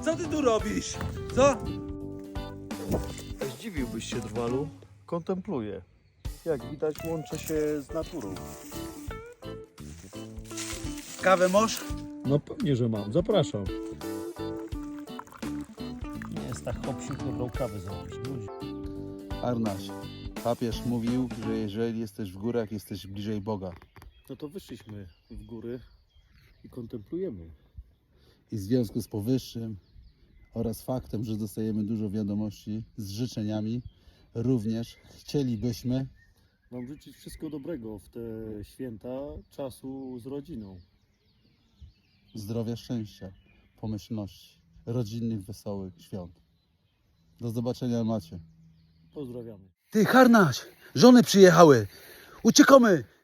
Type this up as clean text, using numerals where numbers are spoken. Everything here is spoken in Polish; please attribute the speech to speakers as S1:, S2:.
S1: Co ty tu robisz? Co?
S2: Zdziwiłbyś się, Drwalu. Kontempluję. Jak widać, łączę się z naturą.
S1: Kawę masz?
S3: No pewnie, że mam. Zapraszam.
S2: Nie jest tak hopsiu, to brał kawę zrobić. Ludzi.
S4: Arnaś, papież mówił, że jeżeli jesteś w górach, jesteś bliżej Boga.
S2: No to wyszliśmy w góry i kontemplujemy.
S4: I w związku z powyższym oraz faktem, że dostajemy dużo wiadomości z życzeniami, również chcielibyśmy
S2: Wam życzyć wszystkiego dobrego w te święta, czasu z rodziną.
S4: zdrowia, szczęścia, pomyślności, rodzinnych, wesołych świąt. Do zobaczenia, macie.
S2: Pozdrawiamy.
S1: Ty, Harnaś, żony przyjechały. Uciekamy.